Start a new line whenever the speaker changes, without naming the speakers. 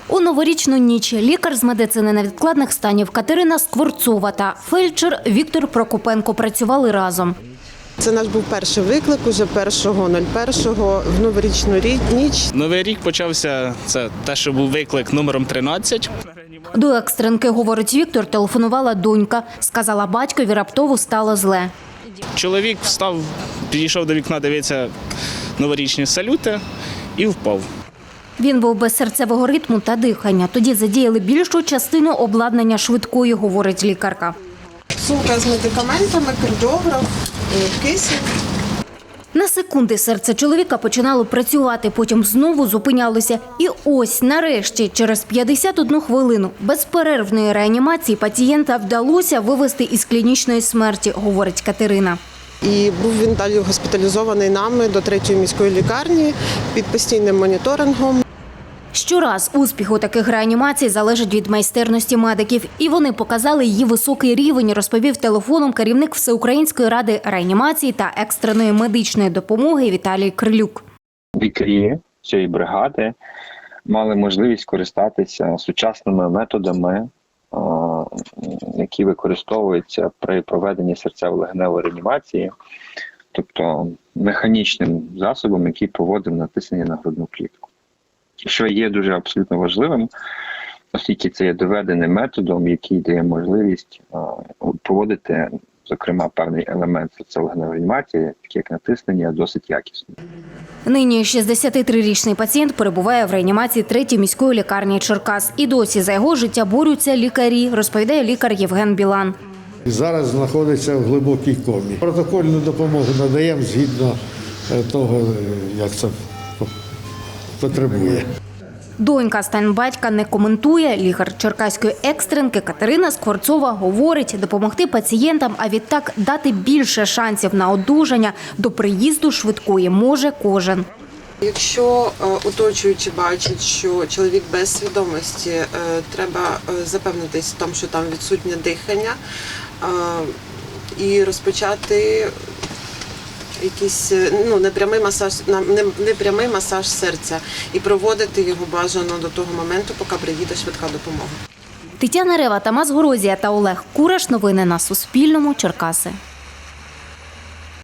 У новорічну ніч лікар з медицини невідкладних станів Катерина Скворцова та фельдшер Віктор Прокопенко працювали разом.
Це наш був перший виклик, уже 1.01 в новорічну ніч.
Новий рік почався, це те, що був виклик номером 13.
До екстренки, говорить Віктор, телефонувала донька. Сказала батькові, раптово стало зле.
Чоловік встав, підійшов до вікна, дивиться новорічні салюти і впав.
Він був без серцевого ритму та дихання. Тоді задіяли більшу частину обладнання швидкої, говорить лікарка.
Сумка з медикаментами, кардіограф, кисень.
На секунди серце чоловіка починало працювати, потім знову зупинялося. І ось, нарешті, через 51 хвилину безперервної реанімації пацієнта вдалося вивести із клінічної смерті, говорить Катерина.
І був він далі госпіталізований нами до 3-ї міської лікарні під постійним моніторингом.
Щораз успіх у таких реанімацій залежить від майстерності медиків. І вони показали її високий рівень, розповів телефоном керівник Всеукраїнської ради реанімації та екстреної медичної допомоги Віталій Крилюк.
Лікарі цієї бригади мали можливість користатися сучасними методами, які використовуються при проведенні серцево-легеневої реанімації, тобто механічним засобом, який проводив натиснення на грудну клітку. Що є дуже абсолютно важливим, оскільки це є доведеним методом, який дає можливість проводити, зокрема, певний елемент серцево-легеневої реанімації, такий як натиснення, досить якісно.
Нині 63-річний пацієнт перебуває в реанімації 3-ї міської лікарні Черкас. І досі за його життя борються лікарі, розповідає лікар Євген Білан.
Зараз знаходиться в глибокій комі. Протокольну допомогу надаємо згідно того, як це потребує.
Донька стан батька не коментує. Лікар черкаської екстренки Катерина Скворцова говорить, допомогти пацієнтам, а відтак дати більше шансів на одужання до приїзду швидкої може кожен.
Якщо оточуючі бачать, що чоловік без свідомості, треба запевнитись в тому, що там відсутнє дихання і розпочати якийсь непрямий масаж серця і проводити його бажано до того моменту, поки приїде швидка допомога.
Тетяна Рева, Тамас Горозія та Олег Кураш. Новини на Суспільному. Черкаси.